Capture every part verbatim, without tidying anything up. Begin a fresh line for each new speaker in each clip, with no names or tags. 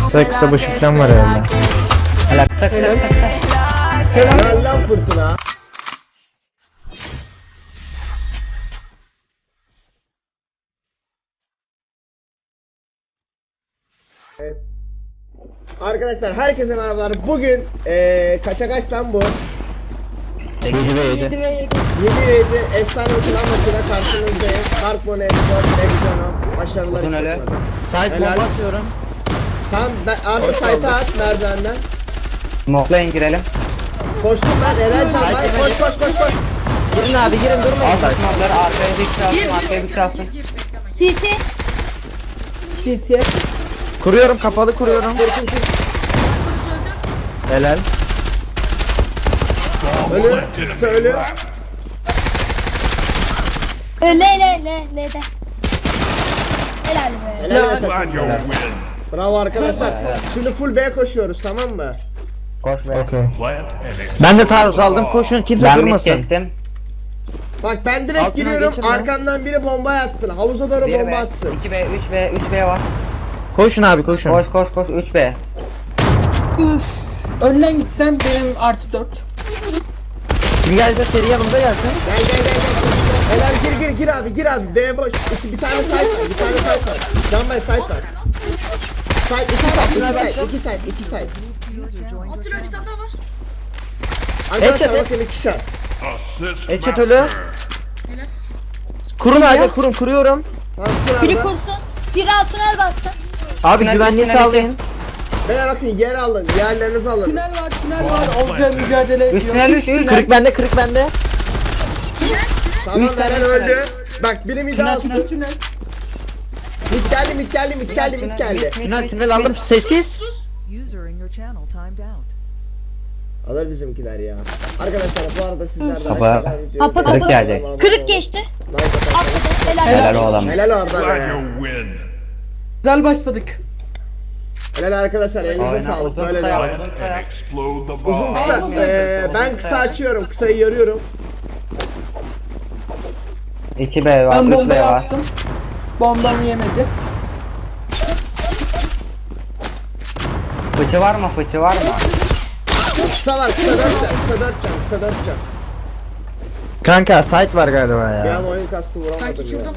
Kısa kısa başı falan var herhalde.
Helal tak tak tak tak.
Helal lan fırtına. Evet. Arkadaşlar herkese merhabalar. Bugün eee kaça kaç lan bu?
yedi ve yedi.
yedi ve yedi efsane plan maçına karşınızdayım. Dark Moon Export Legion'um. Başarılar
Uzun öyle.
için.
Side
Helal.
bomba atıyorum.
Tamam ben artık site'a at merdivenden.
Smoke'layın girelim.
Koştum ben helal can var. Koş koş koş koş.
Girin abi girin durmayın.
Al smoke'ları arkaya bir kralsın arkaya bir kralsın.
T T.
Kuruyorum kapalı kuruyorum. Helal.
Ölü. Kısa ölü.
Le le le le de. Helal be.
Helal be takım. Bravo arkadaşlar. Şimdi full B koşuyoruz tamam mı?
Koş be.
Okey. Ben de taarruz aldım. Koşun kimse
Ben mid
durmasın.
kestim.
Bak ben direkt
Altına
giriyorum
geçin lan.
arkamdan biri bomba atsın. Havuza doğru
bir
bomba
B,
atsın.
iki B, üç B, üç B var.
Koşun abi koşun.
Koş koş koş üç B.
Önden gitsen benim artı dört.
Kim gelse seri yanımda gelsin.
Gel gel gel gel. Helal gir gir gir abi gir abi. B boş. İki, bir tane site var. Bir tane site var. Can Bey site var. Site iki site iki site iki site iki site.
Abdülhamit bir tane daha var.
Arkadaşlar
Headshot,
bakın iki shot.
Eçet ölü. Kurun hadi kurun kuruyorum.
Tamam kur
Biri
abi.
kursun. Biri altına el baksın.
Abi
Tünel,
güvenliği
tünel,
sağlayın.
Beyler bakın yer alın. Yerlerinizi alın.
Tünel var, tünel var. Olca mücadele ediyor.
Üstüne üç üç.
Kırık bende kırık bende.
Tamam Eren öldü. Bak biri mid alsın.
Tünel, tünel.
Mid geldi mid geldi mid geldi mid geldi.
Tünel tünel aldım sessiz.
User in your channel timed out.
Alır bizimkiler ya. Arkadaşlar bu arada sizler de
Kapa-
aşağıdan videoyu
Kapa-
beğenip
Kırık gelecek.
abone olmayı
Kırık
unutmayın.
geçti.
Like atarsanız-
Atladı. Helal.
Helal oğlum.
Helal oradan ya.
Güzel başladık.
Helal arkadaşlar elinize
Aynen,
sağlık.
uzun
Böyle
kısa
devam.
yap, uzun kısa yap.
Uzun kısa. Eee ben kısa açıyorum. Kısayı yarıyorum.
iki B var,
Ben
üç
bomba
B var.
attım. Bombamı yemedi.
Fıçı var mı? Fıçı var mı?
Kısa var. Kısa dört can. Kısa dört can. Kısa dört can.
Kanka site var galiba
Bir
ya.
an oyun kastı vuramadım
Sanki
ya.
şurada.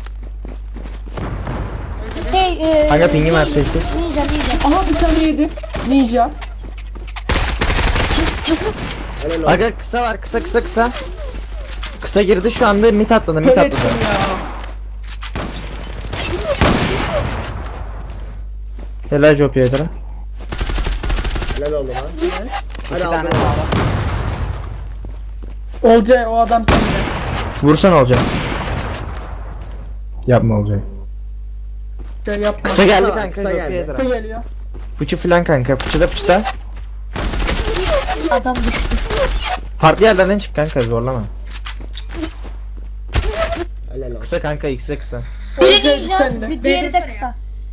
Hey, e,
Kanka pingim var,
ninja,
sessiz.
Ninja ninja.
Aha bir tane yedi. Ninja.
Helal olsun.
Aga kısa var kısa kısa kısa. Kısa girdi şu anda mit atladı mit
Kör
atladı.
ettim ya.
Helal job yedir.
Helal oldu lan. Hadi
İki tane
aldım.
sağlam.
Olca o adam sende.
Vursan olacak. Yapma olacak.
Ya yapma.
Kısa geldi
Kısa var,
kanka.
kısa
job
geldi.
yedir.
Kısa geliyor.
Fıçı filan kanka. Fıçıda fıçıda.
Adam düştü.
Farklı yerlerden çık kanka zorlama.
Helal olsun.
Kısa kanka ikisi kısa.
Biri
Olca
ninja,
sende.
bir diğeri de kısa.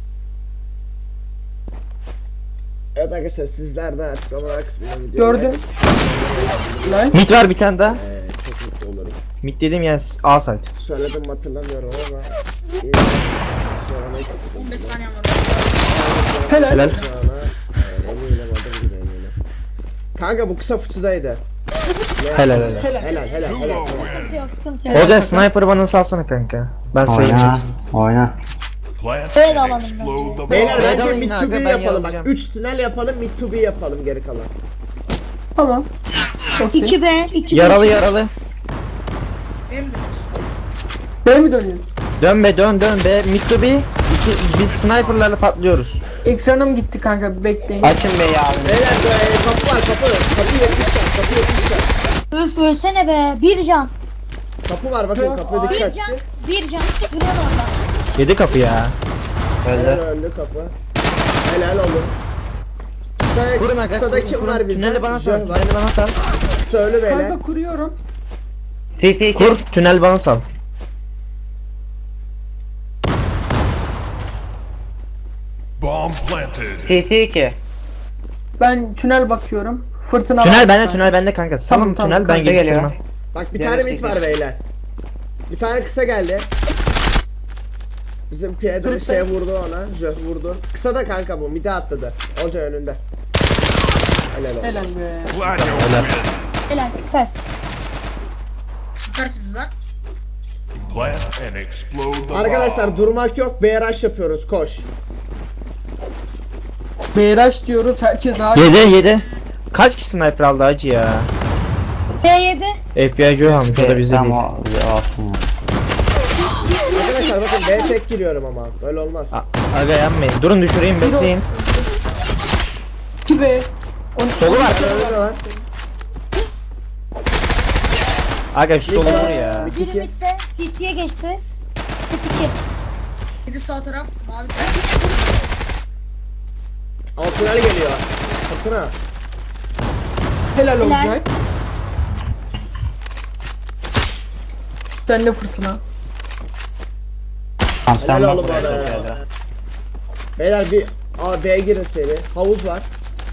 Evet arkadaşlar sizler de açıklamalar kısmına video
Gördüm. Lan.
Mit var bir tane daha.
Eee çok mutlu olurum.
Mit dediğim yer A site.
Söyledim mi hatırlamıyorum ama iyi söylemek istedim.
on beş saniye var.
Helal.
Helal.
Sana eminim adım gibi eminim. Kanka bu kısa fıçıdaydı.
Helal helal.
Helal.
Helal helal helal.
Sıkıntı yok, sıkıntı yok.
Olacak sniper bana salsana kanka. Ben sayayım.
Oyna. Oyna.
Böyle alalım bence.
Beyler
Ben
bence
alayım
mid
kanka,
to B
ben
yapalım bak.
yalayacağım.
üç tünel yapalım mid to B yapalım geri kalan.
Tamam. Çok iyi.
iki B, iki B.
Yaralı yaralı.
Benim dönüyorsun.
B mi dönüyorsun?
Dön be dön dön be. Mid to B. İki, biz sniperlarla patlıyoruz.
Ekranım gitti kanka bir bekleyin.
Açın B'yi abi.
Beyler e, kapı var kapı. Kapı yetmişler kapı yetmişler.
Üf ölsene be. Bir can.
Kapı var bakın kapıya
Bir
dikkat.
can. Bir can. Duruyor orada.
Yedi kapı ya.
Helal
Öldü.
öldü kapı. Helal olun. Kısa,
Kurun aga.
kısada
kurun,
kim
kurun.
var bizde?
Tüneli bana sal.
Jöh var.
Tüneli bana sal.
Kısa ölü beyler.
Kanka kuruyorum.
C C iki.
Kur. Tünel bana sal.
Bomb planted.
C C iki.
Ben tünel bakıyorum. Fırtına
Tünel
var.
bende tünel bende kanka. Salın
Tamam, tamam,
tünel ben
kanka
geliştirmem.
geliyor.
Bak bir
Gel,
tane
gel,
mid
gel.
var beyler. Bir tane kısa geldi. Bizim Pedro şey vurdu ona. Jöf vurdu. Kısa da kanka bu. Mide atladı. Olca önünde. Helal olsun.
Helal be.
Glad you win.
Helal süpersin.
Süpersiniz lan.
Plant and explode the bomb.
Arkadaşlar durmak yok. B rush yapıyoruz. Koş.
Beyraş diyoruz herkes ağaç.
Yedi yedi. Kaç kişi sniper aldı hacı ya?
P yedi.
F B I Joe almış o da bize
Tamam
değil.
o olsun ya.
Arkadaşlar bakın B tek giriyorum ama. Böyle olmaz.
A- Aga yanmayın. Durun düşüreyim bekleyin.
iki be.
Solu var.
Önünde var.
Aga şu solu vur ya.
Biri midde. C T'ye geçti. iki.
Yedi sağ taraf. Mavi.
Altınel geliyor. Altına.
Helal
Helal.
olacak. Sen de fırtına.
Tamam sen
Helal
bak
oğlum
buraya
bana
çok
ya.
güzel.
Beyler bir A B'ye girin seri. Havuz var.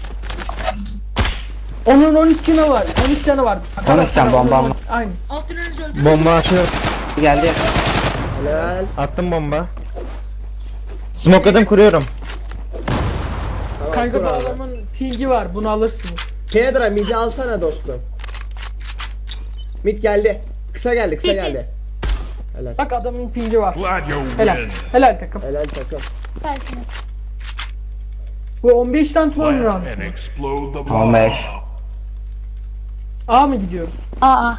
Onun on üç canı var. on üç canı var.
on üç can, bomba
Onun-
mı?
Aynı.
Alt tüneliniz öldü.
Bomba atıyor.
Geldi.
Helal.
Attım bomba. Smokeladım kuruyorum.
Tamam,
Kanka
kur
bu
abi.
adamın pingi var. Bunu alırsınız.
Pedra midi alsana dostum. Mid geldi. Kısa geldi, kısa geldi. Helal.
Bak adamın pingi var.
Glad you
Helal.
win.
Helal takım.
Helal takım.
Süpersiniz.
Bu on beş tane tuvan
Plant
round.
and explode the
on
bomb.
beş.
A mı gidiyoruz?
Aa.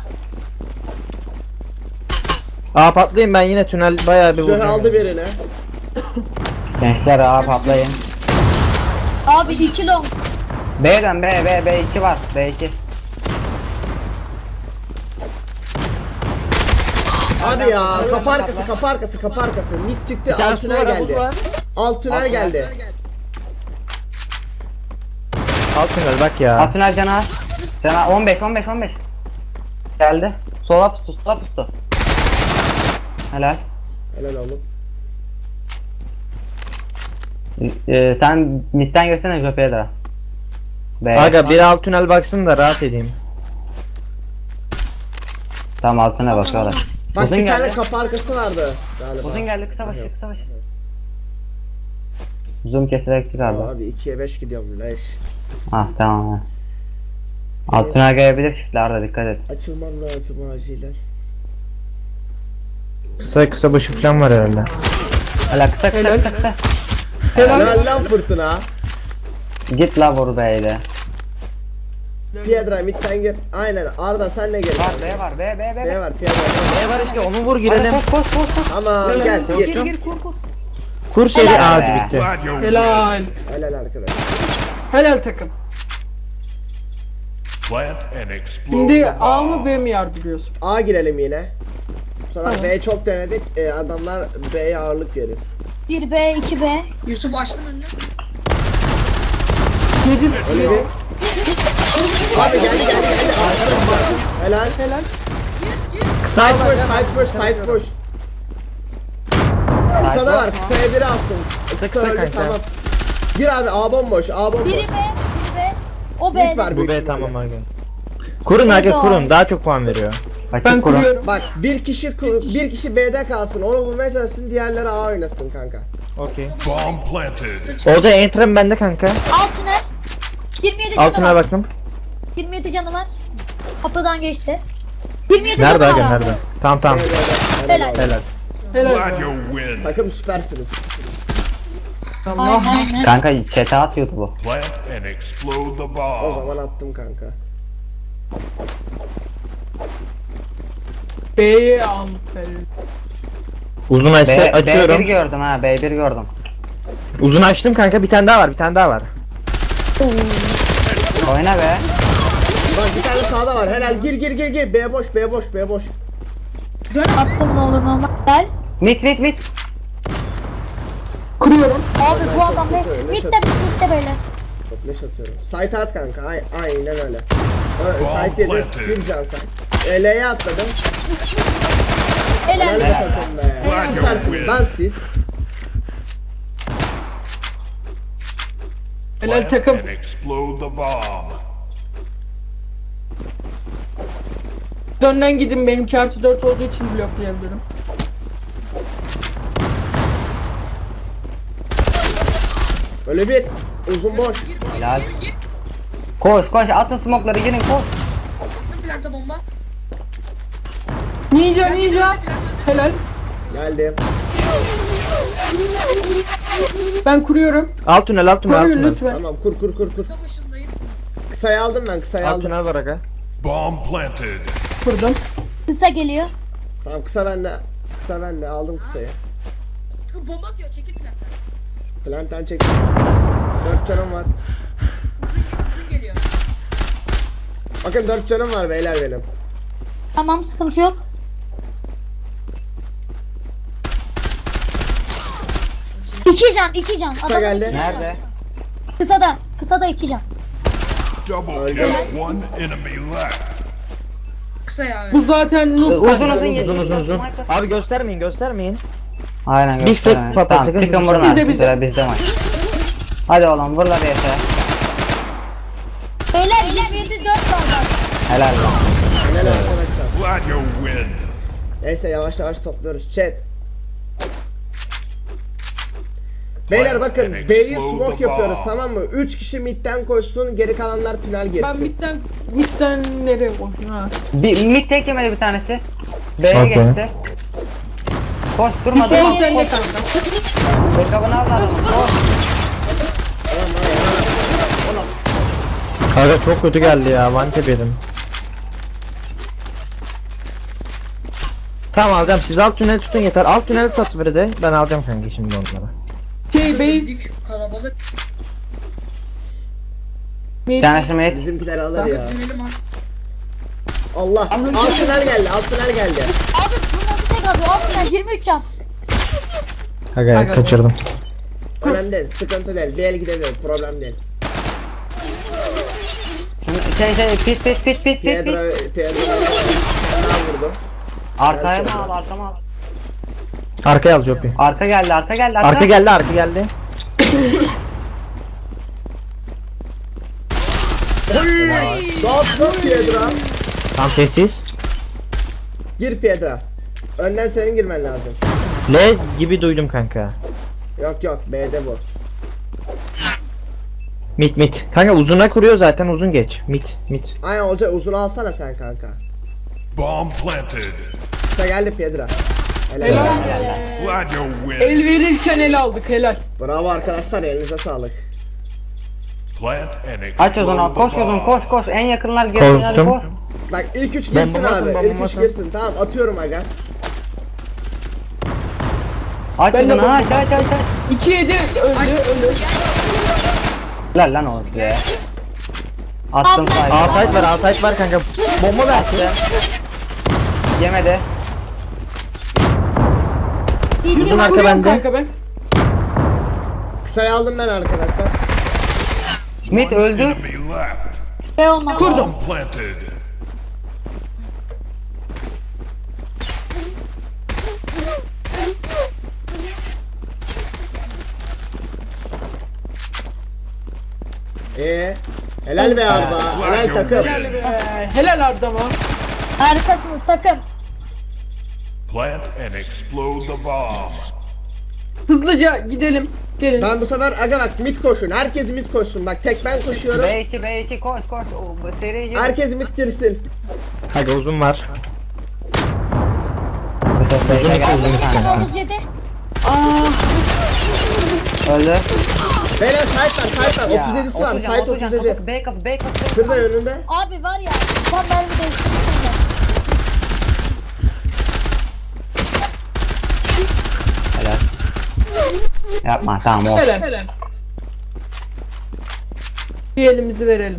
Aa patlayayım ben yine tünel bayağı bir
Şöyle
vurdum.
aldı birini.
Gençler ağa patlayın.
Abi iki long.
B'den B B B iki var. B iki.
Abi ya kapı arkası, kapı arkası, kapı arkası. Mid çıktı,
Bir tane
alt
su
tünel
var, havuz
geldi.
var.
Alt tünel geldi.
Alt tünel bak ya.
Atınel cana. Cana on beş on beş on beş. Geldi. Sola tuttu sola tuttu. Helal.
Helal oğlum.
Ee, sen midden görsene Jope'ye de. B.
Aga bir alt tünel baksın da rahat edeyim.
Tamam altına bakıyorlar.
Bak
Uzun
bir tane
geldi.
kapı arkası vardı galiba.
Uzun geldi kısa başı kısa başı. Zoom keserek çıkardı.
Abi ikiye beş gidiyorum leş.
Ah tamam. ha. Altına gelebilir çiftler de dikkat et.
Açılmam lazım acilen.
Kısa kısa başı falan var herhalde.
Hala kısa kısa
Helal.
kısa kısa.
Helal.
Helal lan fırtına.
Git la vur B'yle.
Piedra midden gir. Aynen Arda sen ne gel?
Var B var B B B.
Ne var Piedra?
Ne var işte onu vur girelim.
Koş koş koş koş.
Aman gel
Gir
gir.
gir kur kur.
Kur seri
Helal.
aa bitti.
Glad you win.
Helal.
Helal arkadaş.
Helal takım.
Plant and explode
Şimdi
the
A mı
bomb.
B mi yardırıyorsun?
A girelim yine. Bu sefer B'yi çok denedik. E, adamlar B'ye ağırlık verir.
bir B, iki B.
Yusuf açtım önünü.
Yedi.
Öyle değil. Abi geldi geldi geldi. Helal.
Helal.
Side push, side push, side push. Kısa da var, kısaya biri alsın. Kısa,
kısa
öldü,
kanka.
tamam. Gir abi, A bomboş, A bomboş.
Biri B, biri B. O
Mid
B'de.
var
Bu
büyük
B
ihtimalle.
tamam aga. Kurun aga kurun daha çok puan veriyor.
Ben
Açık kurun.
kuruyorum.
Bak bir kişi kur- bir kişi B'de kalsın, onu vurmaya çalışsın, diğerleri A oynasın kanka.
Okey.
Bomb planted.
Orada entrim bende kanka.
Alt tünel. yirmi yedi canı
Altına
var.
baktım.
yirmi yedi canı var. Kapıdan geçti. yirmi yedi
Nerede
canı
aga
var abi.
nerede? Tamam tamam.
Helal.
Helal.
Helal.
Glad you win.
Takım süpersiniz.
Allah.
Aynen.
Kanka chat'e atıyordu bu.
Plant and explode the
O
bomb.
zaman attım kanka.
B'ye almış.
Uzun
B,
açsa
B bir
açıyorum.
gördüm ha B bir gördüm.
Uzun açtım kanka bir tane daha var bir tane daha var.
Oyna be.
Bak bir tane sağda var, helal, gir gir gir gir. B boş, B boş, B boş.
Attım ne olur ne olmaz. Gel.
Mit mit mit.
Kuruyorum.
Abi bu adam ne?
kötü, öyle
Midde
çok-
midde beyler.
Çok leş atıyorum. Site at kanka, ay aynen öyle. Evet,
Bomb
site yedi,
planted.
bir can site. E, L'ye atladım.
Helal.
Helal be takım be.
Glad you
Süpersiniz,
win.
dans siz.
Helal
Plant
takım.
and explode the bomb.
Önden gidin benimki artı dört olduğu için bloklayabilirim.
Öyle bir. Uzun boş.
Helal. Koş koş atın smoke'ları girin koş.
Planta bomba.
Ninja ninja. Helal.
Geldim.
Ben kuruyorum.
Alt tünel alt tünel alt
Koruyun
tünel.
lütfen.
Tamam kur kur kur kur.
Kısa başındayım.
Kısayı aldım ben kısayı
Alt
aldım.
tünel var aga.
Bomb planted.
Kurdum.
Kısa geliyor.
Tamam kısa bende. Kısa bende aldım kısayı.
Bomba atıyor çekil planta.
Planten çektim. Dört canım var.
Uzun, uzun geliyor.
Bakın dört canım var beyler benim.
Tamam sıkıntı yok. İki can, iki can.
Kısa
Adamın
geldi.
iki canı var.
Nerede?
Kısa da, kısa da iki can.
Double kill. One enemy left.
Kısa ya.
Bu zaten noob.
Uzun
bence.
uzun
Uzun uzun uzun. Abi göstermeyin göstermeyin.
Aynen
Bir
göster.
sık patlat,
Tamam
sakın
çıkın
bir
vurun
sık.
artık.
Bizde,
Bizde bizde maç. Hadi oğlum vur la bir yese.
Beyler yirmi yedi dört var bak.
Helal lan.
Helal arkadaşlar.
Glad you win.
Neyse yavaş yavaş topluyoruz. Chat. Beyler bakın B'yi smoke yapıyoruz tamam mı? üç kişi midden koşsun geri kalanlar tünel
Ben
girsin.
bitten, bitten nereye koşun ha?
Bir mid tek yemedi bir tanesi. B'ye
Okey.
geçti. Koş durma
Şey
durma.
Sen de
Koş.
kanka.
Backup'ını al lan. Koş.
Aga çok kötü geldi ya. Vantep yedim. Tamam alacağım. Siz alt tüneli tutun yeter. Alt tüneli tut biri de. Ben alacağım kanka şimdi onları.
Şey base.
Dük kalabalık.
Bir
Mid.
tanesi mid.
Bizimkiler alır ya.
Dönelim artık.
Allah. Alt tünel geldi. Alt tünel geldi.
Abi bu nasıl tek atıyor? Altından yirmi üç can.
Aga,
Aga.
kaçırdım.
Önemli değil. Sıkıntı değil. Bir el gidebilir. Problem değil.
Şey şey pit pit pit pit pit
Pedro,
pit.
Pedro ne vurdu?
Arkaya mı al arkama al.
Arkaya al Jopi.
Arka geldi arka geldi arka.
Arka geldi arka geldi.
Stop stop Pedro.
Tam sessiz.
Gir Pedro. Önden senin girmen lazım.
L gibi duydum kanka.
Yok yok B'de bu.
Mit mit. Kanka uzuna kuruyor zaten uzun geç. Mit mit.
Aynen olacak uzun alsana sen kanka.
Bomb planted.
Kısa geldi Pedro. Helal.
Helal.
Glad you win.
El verirken el aldık helal.
Bravo arkadaşlar elinize sağlık.
Plant and
Aç o zaman
explode
koş
the
o zaman
bomb.
koş koş en yakınlar girsin hadi
Koştum.
koş.
Bak ilk üç girsin
Bomba atın,
abi.
bomba
İlk üç
atın.
girsin. Tamam atıyorum aga.
Aç
Ben
o
de
zaman aç
bomba-
aç aç aç.
iki yedi öldü öldü.
Lan lan oğlum ya. Attım
Abla-
sayı.
A site var A site var kanka. Bomba ver.
Yemedi.
Uzun arka
Kuruyorum
bende.
kanka ben.
Kısayı aldım ben arkadaşlar.
Mid öldü.
Enemy left.
B olmaz.
Bomb planted.
Ee, helal be Arda. Helal takım.
Helal be. Helal Arda'ma.
Harikasınız takım.
Plant and explode the bomb.
Hızlıca gidelim. Gelin.
Ben bu sefer aga bak mid koşun. Herkes mid koşsun. Bak tek ben koşuyorum.
B iki B iki koş koş. O, bu seri gir.
Herkes mid girsin.
Aga uzun var.
Uzun
Uzun iki uzun iki
Bir tane
kanka.
otuz yedi.
Öldü.
Beyler site var site var.
Ya,
otuz yedisi var.
Oturcan,
Site
oturcan,
otuz yedi.
otur- B kapı B kapı.
Şurada önünde.
Abi var ya. Tam mermi değiştirsin.
Helal. Yapma tamam o.
Helal. Helal. Bir elimizi verelim.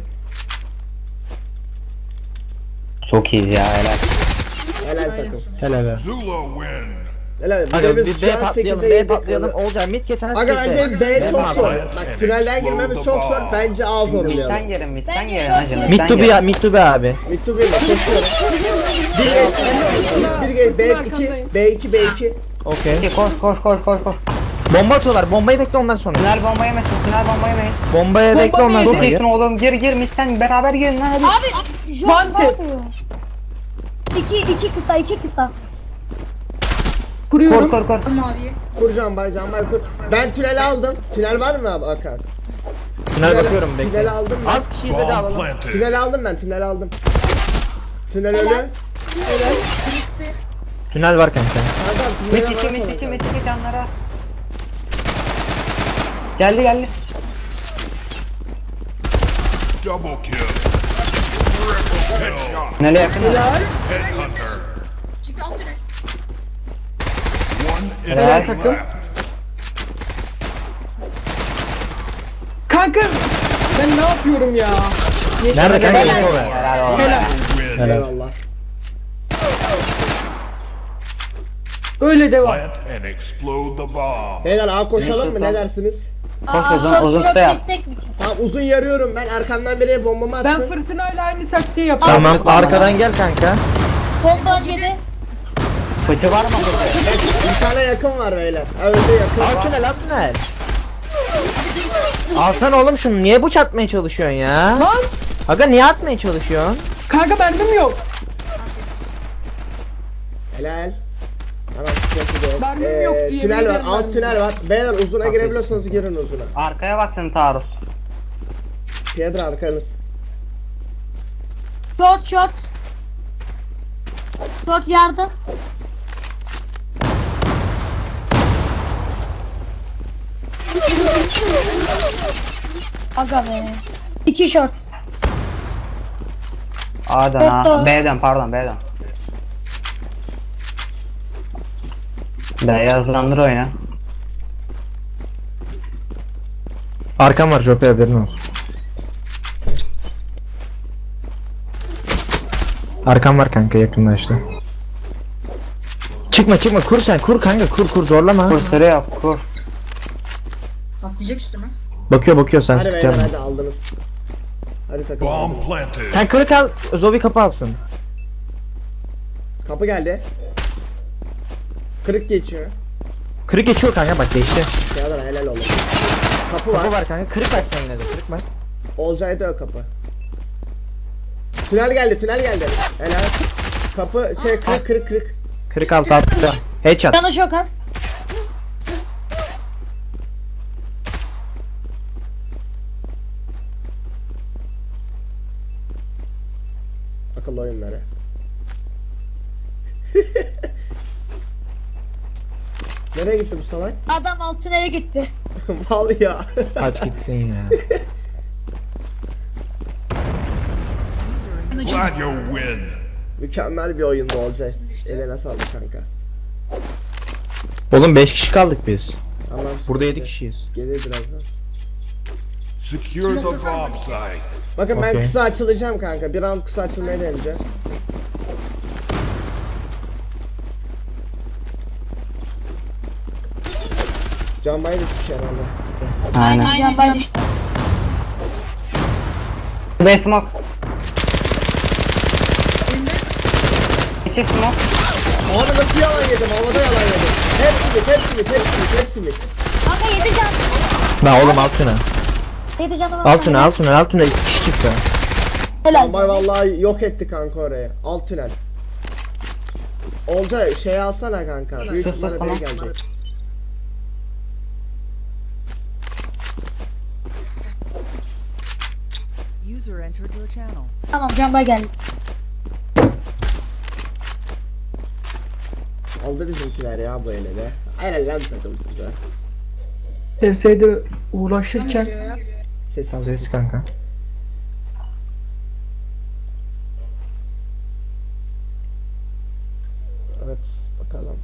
Çok iyiyiz ya helal.
Helal takım.
Helal.
Zula win.
Helal.
Aga
Videomuz
bir B
şu an
patlayalım
sekizde
B
yedik.
patlayalım. Olacak mid kesen
Aga bence B çok zor.
abi.
Bak tünelden girmemiz çok zor. Bence A zor
Mid'den
oynayalım.
girin mid'den
Bence
girin.
şöyle
hadi,
söyleyeyim.
Mid
mid'den
to be
girin.
ya mid to be abi.
Mid to B'yle koşuyorum. Bir geç. Bir geç. B iki. B iki. B iki.
Okey.
İki, Koş koş koş koş koş.
Bomba atıyorlar. Bombayı bekle ondan sonra.
Tünel bomba yemesin tünel bomba yemeyin.
Bombaya bekle ondan
değil.
sonra.
Çok
gir.
iyisin oğlum gir gir mid'den beraber girin lan hadi.
Abi John
Vante.
ne yapıyor? İki, iki kısa, iki kısa.
Kuruyorum.
Kor kor kor.
Maviye.
Kur Canbay, Canbay kur. Ben tüneli aldım. Tünel var mı abi Hakan?
Tünel bakıyorum
Tünel
bekle.
aldım ben.
Az kişiyiz hadi
Bomb
alalım.
planted.
Tünel aldım ben, tünel aldım. Tünel ölü.
Tünel var kanka.
Kankam
Mit
tünel
içi
var
mit
sana.
içi mit içi canlara. Geldi geldi.
Double kill. Triple headshot.
Tünele yakın.
Headhunter.
Çıktı alt tünel.
One
Helal
enemy
takım.
left.
Kanka ben ne yapıyorum ya?
Nerede kanka?
Helal.
Info ver.
Helal olsun.
Helal.
Win.
Eyvallah.
Öyle devam.
Plant and explode the bomb.
Beyler A koşalım mı, ne dersiniz?
Koş
Aa,
uzun
short
uzun
short
da yap.
destek mi?
Tamam uzun yarıyorum ben, arkamdan biri bombamı
Ben
atsın.
fırtınayla aynı taktiği yapıyorum.
Tamam arkadan gel kanka.
Bomba yedi.
Fıçı var mı burada?
Bir tane yakın var beyler. Ha, öldü yakın.
Al tünel al tünel. Alsana oğlum şunu, niye bıç atmaya çalışıyorsun ya?
Lan
Aga niye atmaya çalışıyorsun?
kanka mermim yok.
Tam sessiz.
Helal. Tamam sıkıntı yok.
Mermim yok diye
tünel var,
bilmiyorum
alt
ben.
tünel var. Beyler uzuna
Tamam,
girebiliyorsanız girin uzuna.
Arkaya bak senin taarruz.
Piedra arkanız.
Short short. Short yardım. Aga be. İki short.
A'dan
Doktor.
ha. B'den pardon B'den. Beyazlandır oyna.
Arkam var Jope, haberin olsun. Arkam var kanka, yakınlaştı. Çıkma çıkma, kur sen, kur kanka, kur kur, zorlama.
Kur sürü yap kur.
Atlayacak üstüme.
Bakıyor bakıyor, sen
Hadi beyler
sıkacaksın.
hadi aldınız. Hadi takım
Bomb
aldınız.
planted.
Sen kırık al, Zobi kapı alsın.
Kapı geldi. Kırık geçiyor.
Kırık geçiyor kanka, bak geçti.
Piedra helal olsun. Kapı var.
Kapı var kanka, kırık bak sen yine de, kırık bak.
Olcay'da o kapı. Tünel geldi, tünel geldi. Helal. Kapı şey kırık kırık kırık.
Kırık altı altta. Headshot.
Canı çok az.
Akıllı oyunları. Nereye gitti bu salak?
Adam alt tünele gitti.
Mal ya.
Aç gitsin ya.
Glad you win.
Mükemmel bir oyundu Olcay. Eline sağlık kanka.
Oğlum beş kişi kaldık biz.
Allah'ım
Burada
sıkıntı.
yedi kişiyiz.
Gelir birazdan.
Secure the bomb site.
Bakın ben
Okey.
kısa açılacağım kanka. Bir round kısa açılmaya deneyeceğim. Canbayı düşmüş herhalde.
Aynen.
Can bay düştü.
B smoke. İçi smoke.
Abi nasıl yalan yedim? Havada yalan yedim. Hepsini, hepsini, hepsini, hepsini.
Kanka yedi can.
La oğlum alt tünel.
Yedi canı var.
Alt tünel, alt tünel, alt tünel, iki kişi çıktı.
Helal.
Canbay vallahi yok etti kanka orayı. Alt tünel. Olcay şey alsana kanka. Büyük
sus,
ihtimalle
tamam.
biri gelecek.
User entered your channel.
Tamam can bay geldi.
Aldı bizimkiler ya bu ele de. Helal lan takım size.
P S'de uğraşırken
Sessiz.
Sessiz kanka.
Evet bakalım.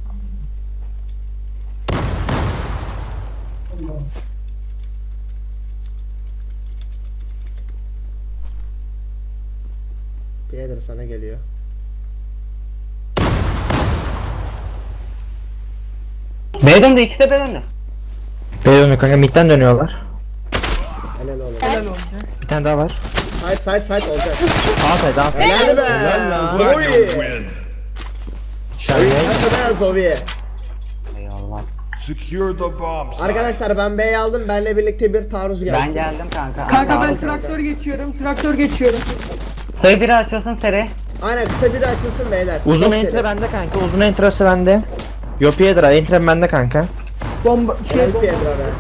Birader sana geliyor.
B döndü ikisi de B döndü.
B dönüyor kanka, midden dönüyorlar.
Helal oğlum.
helal olsun.
Bir tane daha var.
Side side side olacak.
Al say, al say.
Helal be.
Glad you
Zoe.
win.
Şarjı.
Hadi be Zoe.
Eyvallah.
Secure the bomb site.
Arkadaşlar ben B'yi aldım. Benle birlikte bir taarruz gelsin.
Ben geldim kanka.
Kanka ben
Sağ ol.
traktör geçiyorum. Traktör geçiyorum.
Sayı biri açıyorsun seri.
Aynen kısa biri açılsın beyler.
Uzun
Çok
entre
seri.
bende kanka, uzun entresi bende. Yo Piedra, Entren bende kanka.
Bomba şey
Helal
bomba.
Piedra be.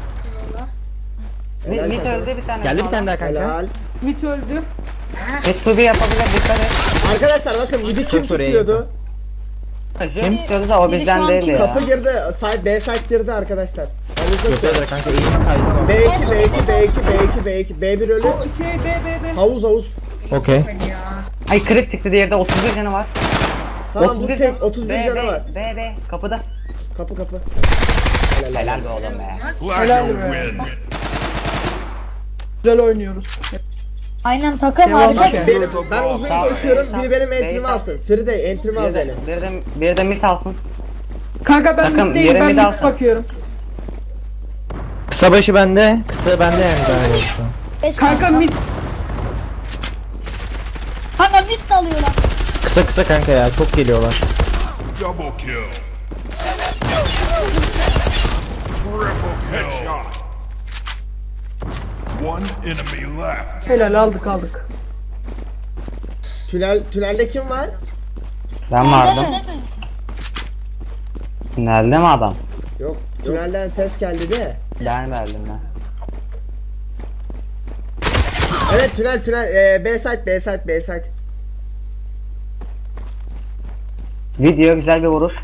Mid,
Helal
mid
kanka.
öldü bir tane.
Geldi bir tane daha kanka.
Helal.
Mit öldü.
Mid to be yapabilir dikkat et.
Arkadaşlar bakın midi kim
Çok oraya
tutuyordu?
Kim tutuyordu da o
Biri
bizden
şu an
değildi ya.
Kapı girdi. Side B side girdi arkadaşlar.
Yo
Havuzda
Piedra kanka eğimi kaydı.
B iki B iki B iki B iki B iki B bir ölü.
O şey B B B.
Havuz havuz.
Okey.
Hadi ya.
Ay kırık çıktı diğerde otuz bir canı var.
Tamam
otuz
bu
bir
tek
can-
otuz bir
B,
canı
B,
var.
B B kapıda.
Kapı kapı.
Helal be oğlum be.
Flacco win.
Güzel oynuyoruz.
Aynen takım
Devam
harika.
ki.
Benim, ben uzun
Tamam.
koşuyorum. Biri benim
Tamam.
entrimi alsın. Fride entrimi al
Bir de,
beni.
bir de, bir de mid alsın.
Kanka ben
Takım,
middeyim, ben
yerimi de
mid
alsın.
bakıyorum.
Kısa başı bende. Kısa bende yani daha şu an.
Beş
Kanka
kanka
mid.
Kanka mid dalıyorlar.
Kısa kısa kanka ya çok geliyorlar.
Double kill. Triple headshot. One enemy left.
Helal aldık aldık.
Tünel tünelde kim var?
Ben vardım.
Değil mi?
Nerede mi adam?
Yok. Tünelden ses geldi de.
Ben verdim ben.
Evet tünel tünel ee, B side B side B side.
Video güzel bir vuruş.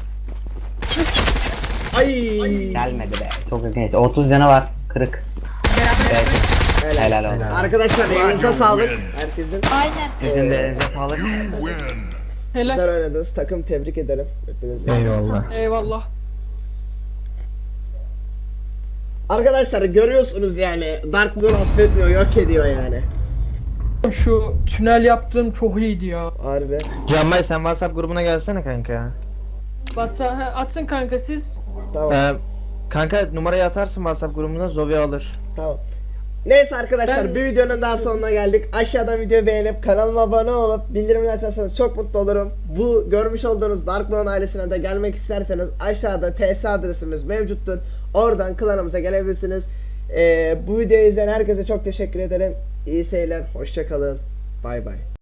Ay.
Gelmedi be. Çok ilginç. otuz canı var. Kırık. Evet. Helal olsun.
Arkadaşlar elinize sağlık. Herkesin
Aynen.
Sizin de elinize sağlık.
You win.
Helal.
güzel oynadınız. Takım tebrik ederim. Hepinizi.
Eyvallah.
Eyvallah.
Arkadaşlar görüyorsunuz yani Dark Zone affetmiyor, yok ediyor yani.
Şu tünel yaptığım çok iyiydi ya.
Harbi.
Canbay sen WhatsApp grubuna gelsene kanka ya.
Batsa he, atsın kanka siz.
Tamam.
Ee, kanka numarayı atarsın WhatsApp grubuna Zoe alır.
Tamam. Neyse arkadaşlar
Ben-
bir videonun daha sonuna geldik. Aşağıdan videoyu beğenip kanalıma abone olup bildirimleri açarsanız çok mutlu olurum. Bu görmüş olduğunuz Dark Lord ailesine de gelmek isterseniz aşağıda T S adresimiz mevcuttur. Oradan klanımıza gelebilirsiniz. Ee, bu videoyu izleyen herkese çok teşekkür ederim. İyi seyirler. Hoşça kalın. Bay bay.